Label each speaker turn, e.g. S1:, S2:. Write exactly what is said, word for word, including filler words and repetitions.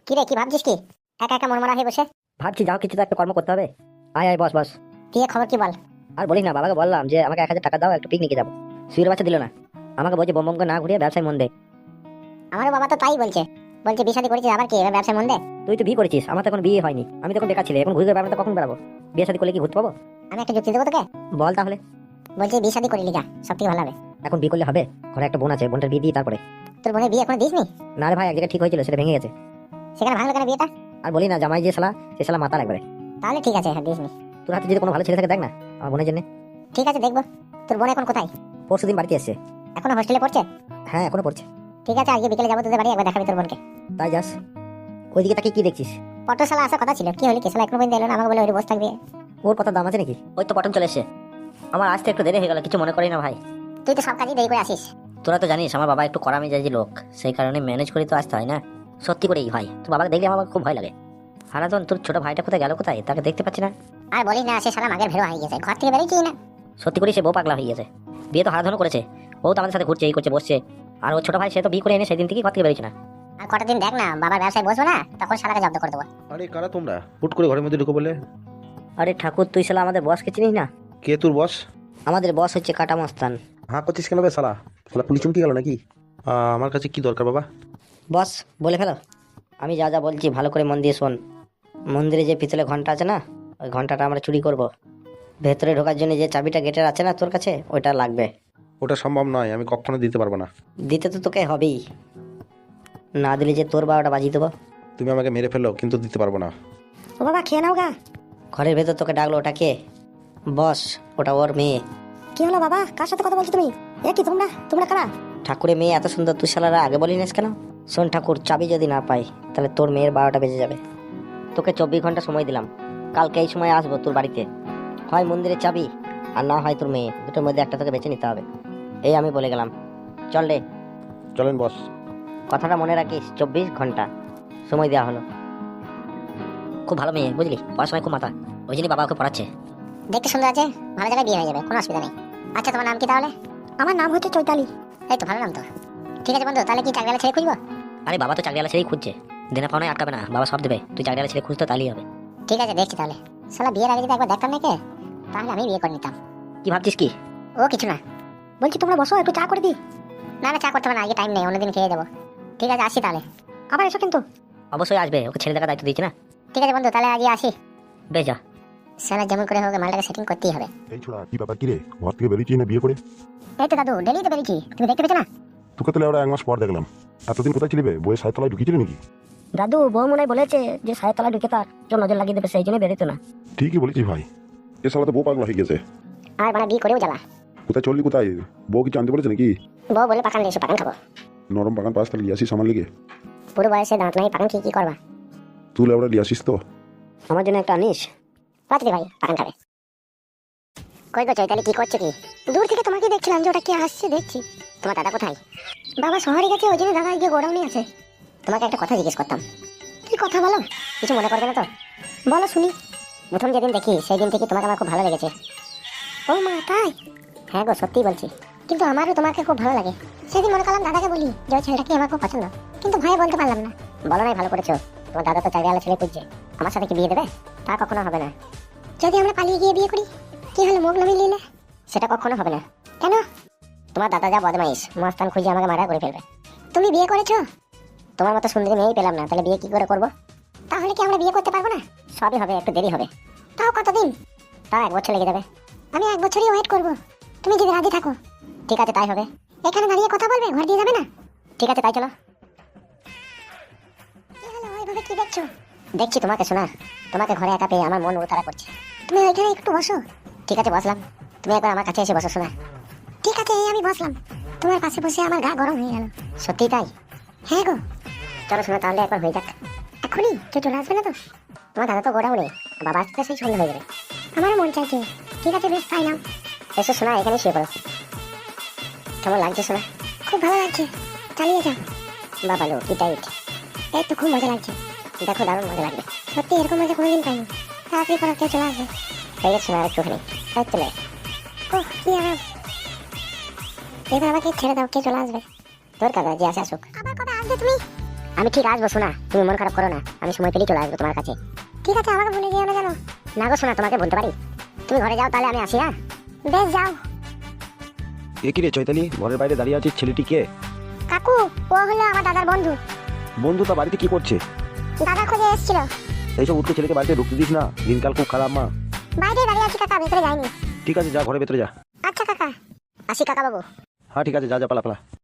S1: কি রে, কি ভাবছিস? কি একা একা মনমরা হয়ে বসে?
S2: ভাবছি যাও কিছু তো একটা কর্ম করতে হবে। আয় আয় বস বস।
S1: দিয়ে খবর কি বল?
S2: আর বলিস না, বাবাকে বললাম যে আমাকে এক হাজার টাকা দাও, একটু পিকনিকে যাবো। সুইয়ের বাচ্চা দিল না, আমাকে বলছে বোম বোম করে না ঘুরিয়ে ব্যবসায় মন দে।
S1: আমারও বাবা তো তাই বলছে, বলছে বিয়ে শাদী করেছিস আবার কি এবার ব্যবসায় মন দে।
S2: তুই তো বিয়ে করেছিস, আমার তো এখন বিয়ে হয়নি, আমি তখন বেকার ছেলে, এখন ঘুরে বেড়াবো তো কখন বেড়াবো? বিয়ে শাদী করলে কি ঘুরতে পাবো?
S1: আমি একটা যুক্তি দেবো তোকে।
S2: বল তাহলে।
S1: বলছি বিয়ে শাদী করিলি যা, সব থেকে ভালো হবে।
S2: এখন বিয়ে করলে হবে? ঘরে একটা বোন আছে, বোনটার বিয়ে দিই তারপরে।
S1: তোর বোনের বিয়ে এখনো দিসনি?
S2: না রে ভাই, এক জায়গায় ঠিক হয়েছিল, সেটা ভেঙে গেছে।
S1: সেখানে ভাঙলো কেন বিয়েটা?
S2: আর বলি না, জামাই যে শালা, সে শালা মাতাল একবারে।
S1: তাহলে ঠিক আছে, হ্যাঁ দিসনি।
S2: তোর হাতে যদি কোনো ভালো ছেলে থাকে দেখ না আমার বোনের জন্য।
S1: ঠিক আছে দেখবো। তোর বোন এখন কোথায়?
S2: পরশু দিন বাড়িতে এসছে।
S1: এখনো হোস্টেলে পড়ছে?
S2: হ্যাঁ এখনো পড়ছে।
S1: ঠিক আছে, আজকে বিকেলে যাবো তোদের বাড়ি, একবার দেখাবি তোর বোনকে।
S2: তাই যাস? ওইদিকে তাকে কি দেখছিস?
S1: পটল শালা আসার কথা ছিল, কি হলি? কেসালা এখনো পর্যন্ত এলো না, আমাকে বলে ওই বসে থাকবি।
S2: ওর কথা দাম আছে নাকি? ওই তো পটন চলে এসছে। আমার আসতে একটু দেরি হয়ে গেল, কিছু মনে করি না ভাই।
S1: তুই তো সব কাজই দেরি করে আসিস।
S2: তোরা তো জানিস আমার বাবা একটু কড়া মেজাজি লোক, সেই কারণে ম্যানেজ করে তো আসতে হয় না। সত্যি করেই ভাই, তোর বাবাকে দেখলে আমার খুব ভয় লাগে। হারাধন, তোর ছোট ভাইটা কোথায় গেল, কোথায় তাকে দেখতে পাচ্ছি না।
S1: আর বলিস না, সে শালা মাগের ভেড়ো হয়ে গেছে, ঘর থেকে বেরোচ্ছি না।
S2: সত্যি করে সে বউ পাগলা হয়ে গেছে। বিয়ে তো হারাধনও করেছে, বউ তো আমাদের সাথে ঘুরছে, এই করছে বসছে। আর ওর ছোট ভাই সে তো বিয়ে করে এনে সেদিন থেকে ঘর থেকে বেরোচ্ছে না।
S1: আর কটা দিন দেখ না, বাবার ব্যবসায় বসবো না, তখন শালাকে জব্দ করে দেবো।
S3: আরে কারা তোমরা? হুট করে ঘরের মধ্যে ঢুকে বলে?
S2: আরে ঠাকুর, তুই শালা আমাদের বসকে চিনিস না?
S3: কে তোর বস?
S2: আমাদের বস হচ্ছে কাটা মস্তান।
S3: হ্যাঁ করছিস কেন বে শালা? শালা পুলিশ চমকে গেল নাকি? আহ, আমার কাছে কি দরকার বাবা?
S2: বস বলে ফেলো। আমি যা যা বলছি ভালো করে মন দিয়ে শোন। মন্দিরে যে পিতলে ঘন্টা আছে না, ওই ঘন্টাটা আমরা চুরি করব। ভেতরে ঢোকার জন্য যে চাবিটা গেটের আছে না তোর কাছে, ওইটা লাগবে।
S3: ওটা সম্ভব নয়, আমি কখনো দিতে পারবো না।
S2: দিতে তো তোকে হবেই, না দিলে যে তোর বারোটা বাজিয়ে দেবো।
S3: তুমি আমাকে মেরে ফেলো, কিন্তু দিতে পারবো না।
S1: ও বাবা, খেয়ে নাও গা।
S2: ঘরের ভেতর তোকে ডাকলো, ওটা কে? বস, ওটা ওর মেয়ে।
S1: কি হলো বাবা, কার সাথে কথা বলছো তুমি? এ কি তোমরা তোমরা কারা?
S2: ঠাকুরের মেয়ে এত সুন্দর, তুই শালারা আগে বলিনিস কেন? শোন ঠাকুর, চাবি যদি না পাই তাহলে তোর মেয়ের বারোটা বেজে যাবে। তোকে চব্বিশ ঘন্টা সময় দিলাম, কালকে এই সময় আসবো তোর বাড়িতে। হয় মন্দিরের চাবি, আর না হয় তোর মেয়ে, দুটোর মধ্যে একটা তোকে বেছে নিতে হবে। এই আমি বলে গেলাম, চল রে।
S3: চলেন বস।
S2: কথাটা মনে রাখিস, চব্বিশ ঘন্টা সময় দেওয়া হলো। খুব ভালো মেয়ে বুঝলি, পড়াশোনায় খুব মাথা, ওই জন্যই বাবা ওকে পড়াচ্ছে।
S1: দেখতে সুন্দর আছে, ভালো জায়গায় বিয়ে হয়ে যাবে, কোনো অসুবিধা নেই। আচ্ছা তোমার নাম কি তাহলে? আমার নাম হচ্ছে চৈতালি। এই তো ভালো নাম তো। ঠিক আছে বন্ধু, তাহলে কি চাকরিওয়ালা ছেলে খুঁজবো?
S2: আরে বাবা তো চাকরিওয়ালা ছেলেই খুঁজছে, দেনা পাওনায় আটকাবে না, বাবা সব দেবে। তুই চাকরিওয়ালা ছেলে খুঁজতো তাহলেই হবে।
S1: ঠিক আছে দেখছি তাহলে। শালা বিয়ের আগে যদি একবার দেখতাম নাকি, তাহলে আমি বিয়ে করে নিতাম।
S2: কি ভাবছিস কি?
S1: ও কিছু না। বলছি তোমরা বসো, একটু চা করে দিই। না না, চা করতে হবে না, আগে টাইম নেই, অন্যদিন খেয়ে যাবো। ঠিক আছে আসি তাহলে। আবার এসো কিন্তু।
S2: অবশ্যই আসবে, ওকে ছেলে দেখার দায়িত্ব দিয়েছি না।
S1: ঠিক আছে বন্ধু, তাহলে আজই আসি।
S2: বেশ যা।
S1: শালা যেমন করে হোক মালটাকে সেটিং করতেই হবে।
S4: এই ছোড়া, কি ব্যাপার? কি রে, ঘর থেকে বেরিয়েছিস না বিয়ে করে?
S1: এই তো দাদু, ডেলি তো বেরিয়েছি, তুমি দেখতে পেছো না?
S4: তোকে তো ওরা এক মাস পর দেখলাম। এতদিন কোথায় ছিলি বে? বইয়ের সায়তলায় ঢুকিয়েছিলি নাকি?
S2: দাদু, বউ মনে বলেছে যে সাহেব তলা ঢুকে তার জন্য নজর লাগিয়ে দেবে, সেই জন্য বেরোতো না।
S4: ঠিকই বলেছিস ভাই, এ সালা তো বউ পাগলা হয়ে গেছে।
S1: আর মানে বিয়ে করেও জ্বালা।
S4: কোথায় চললি, কোথায়? বউ কি জানতে বলেছে নাকি?
S1: বউ বলে পাকান এসে পাকান খাবো।
S4: নরম বাগান পাস তাহলে লিয়াসিস আমার লিগে।
S1: পুরো বয়সে দাঁত নাই, পাকান কি কি করবা?
S4: তুই ওরা লিয়াসিস তো?
S2: আমার জন্য একটা আনিস।
S1: পাত্রী ভাই পাকান খাবে। কই গো চৈতালি, কি করছো কি? দূর থেকে তোমাকে দেখছিলাম যে ওটা কে আসছে দেখছি। তোমার দাদা কোথায়? বাবা শহরে গেছে, ওই জন্য দাদা গিয়ে গোডাউনে আছে। তোমাকে একটা কথা জিজ্ঞেস করতাম। কি কথা বলো? কিছু মনে করবে না তো? বলো শুনি। প্রথম যেদিন দেখি সেই দিন থেকে তোমাকে আমার খুব ভালো লেগেছে। ও মা তাই? হ্যাঁ গো সত্যিই বলছি, কিন্তু আমারও তোমাকে খুব ভালো লাগে। সেদিন মনে করলাম দাদাকে বলি যে ওই ছেলেটাকে আমার খুব পছন্দ, কিন্তু ভয়ে বলতে পারলাম না। বলো নাই, ভালো করেছো। তোমার দাদা তো চাকরিওয়ালা ছেলে খুঁজছে, আমার সাথে কি বিয়ে দেবে? তা কখনো হবে না। যদি আমরা পালিয়ে গিয়ে বিয়ে করি, কি হলো মুখ নামিয়ে নিলে? সেটা কখনো হবে না। কেন? তোমার দাদা যা বদমাইশ, মস্তান খুঁজে আমাকে মারা করে ফেলবে। তুমি বিয়ে করেছো? তোমার মতো সুন্দরী মেয়েই পেলাম না, তাহলে বিয়ে কি করে করবো? তাহলে কি আমরা বিয়ে করতে পারবো না? সবই হবে, একটু দেরি হবে। তাও কতদিন? তাও এক বছর লেগে যাবে। আমি এক বছরই ওয়েট করবো, তুমি যদি রাজি থাকো। ঠিক আছে তাই হবে। এখানে দাঁড়িয়ে কথা বলবে, ঘর দিয়ে যাবে না? ঠিক আছে তাই চলো। কি হলো, ওইভাবে কি দেখছো? দেখছি তোমাকে শোনা, তোমাকে ঘরে একা পেয়ে আমার মন উতারা করছে। তুমি ওইখানে একটু বসো। ঠিক আছে বসলাম, তুমি একবার আমার কাছে এসে বসো শোনা। ঠিক আছে এই আমি বসলাম, তোমার পাশে বসে আমার গা গরম হয়ে গেল। সত্যি তাই? হ্যাঁ গো। চলো শোনা তাহলে একবার হয়ে যাক। এখনই কেউ চলে আসবে না তো? তোমার দাদা তো গোডাউনে, বাবা আসতে সেই সন্ধ্যা হয়ে যাবে। আমারও মন চাইছে। ঠিক আছে বেশ তাই নাও। এসো শোনা, এখানে শুয়ে পড়ো। কেমন লাগছে শোনা? খুব ভালো লাগছে, চালিয়ে যাও। বাবা লো কি টাইট। এই তো খুব মজা লাগছে। দেখো দারুণ মজা লাগবে। সত্যি এরকম মজা কোনোদিন পাইনি। তাড়াতাড়ি করো, কেউ চলে আসবে। হয়ে গেছে শোনা, একটুখানি এই চলে। ওহ কি আরাম। এবার আমাকে ছেড়ে দাও, কে চলে আসবে? তোর কাকা যে আসে আসুক। আবার কবে আসবে তুমি? আমি ঠিক আসবো শোনা, তুমি মন খারাপ করো না, আমি সময় পেলেই চলে আসবো তোমার কাছে। ঠিক আছে, আমাকে ভুলে যেও না জানো। না গো শোনা, তোমাকে বলতে পারি। তুমি ঘরে যাও, তাহলে আমি আসি। হ্যাঁ বেশ, যাও।
S3: এ কি রে চৈতালি, ঘরের বাইরে দাঁড়িয়ে আছিস, ছেলেটি কে?
S1: কাকু, ও হলো আমার দাদার বন্ধু।
S3: বন্ধু তা বাড়িতে কি করছে?
S1: দাদার খোঁজে এসেছিল।
S3: এইসব উঠতে ছেলেকে বাড়িতে ঢুকতে দিস না, দিনকাল খুব খারাপ মা।
S1: বাইরে দাঁড়িয়ে আছি কাকা, ভেতরে যাইনি।
S3: ঠিক আছে, যা ঘরে ভেতরে যা।
S1: আচ্ছা কাকা, আসি কাকা বাবু।
S3: হ্যাঁ ঠিক আছে, যা যা, পালা পালা।